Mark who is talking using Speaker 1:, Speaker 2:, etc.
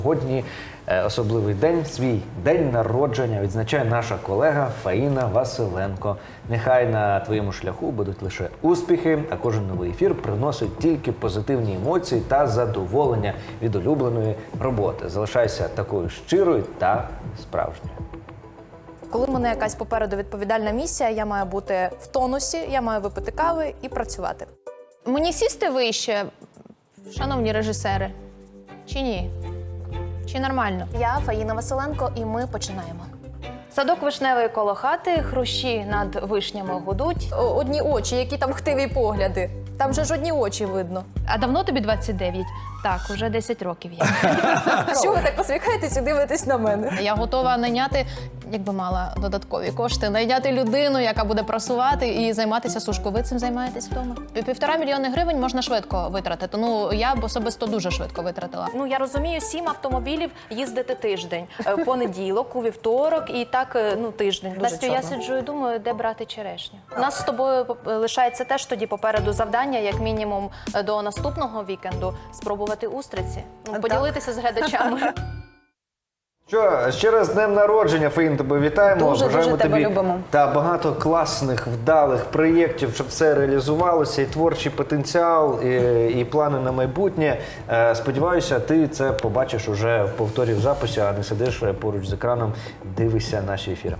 Speaker 1: Сьогодні особливий день, свій день народження відзначає наша колега Фаїна Василенко. Нехай на твоєму шляху будуть лише успіхи, а кожен новий ефір приносить тільки позитивні емоції та задоволення від улюбленої роботи. Залишайся такою щирою та справжньою.
Speaker 2: Коли в мене якась попереду відповідальна місія, я маю бути в тонусі, я маю випити кави і працювати.
Speaker 3: Мені сісти вище, шановні режисери, чи ні? Чи нормально?
Speaker 2: Я Фаїна Василенко, і ми починаємо.
Speaker 3: Садок вишневий коло хати, хрущі над вишнями гудуть.
Speaker 2: Одні очі, які там хтиві погляди. Там же ж одні очі видно.
Speaker 3: А давно тобі 29? Так, уже 10 років є.
Speaker 2: Що ви так посміхаєтесь і дивитесь на мене?
Speaker 3: Я готова найняти, якби мала додаткові кошти, найняти людину, яка буде просувати і займатися сушкою. Ви цим займаєтесь вдома? 1,5 мільйони гривень можна швидко витратити. Ну, я б особисто дуже швидко витратила.
Speaker 2: Ну, я розумію, 7 автомобілів їздити тиждень. В понеділок, у вівторок і так, тиждень. Дуже
Speaker 3: Настю, я
Speaker 2: чорно.
Speaker 3: сиджу і думаю, де брати черешню.
Speaker 2: У нас з тобою лишається теж тоді попереду завдання, як мінімум до наступного вікенду, спробувати устриці. Поділитися з глядачами.
Speaker 1: Що, ще раз з днем народження, Фаїн, тебе вітаємо.
Speaker 4: Дуже
Speaker 1: Бажаємо
Speaker 4: тебе
Speaker 1: тобі
Speaker 4: любимо.
Speaker 1: та багато класних, вдалих проєктів, щоб все реалізувалося, і творчий потенціал, і плани на майбутнє. Сподіваюся, ти це побачиш уже в повторі в записі, а не сидиш поруч з екраном, дивишся наші ефіри.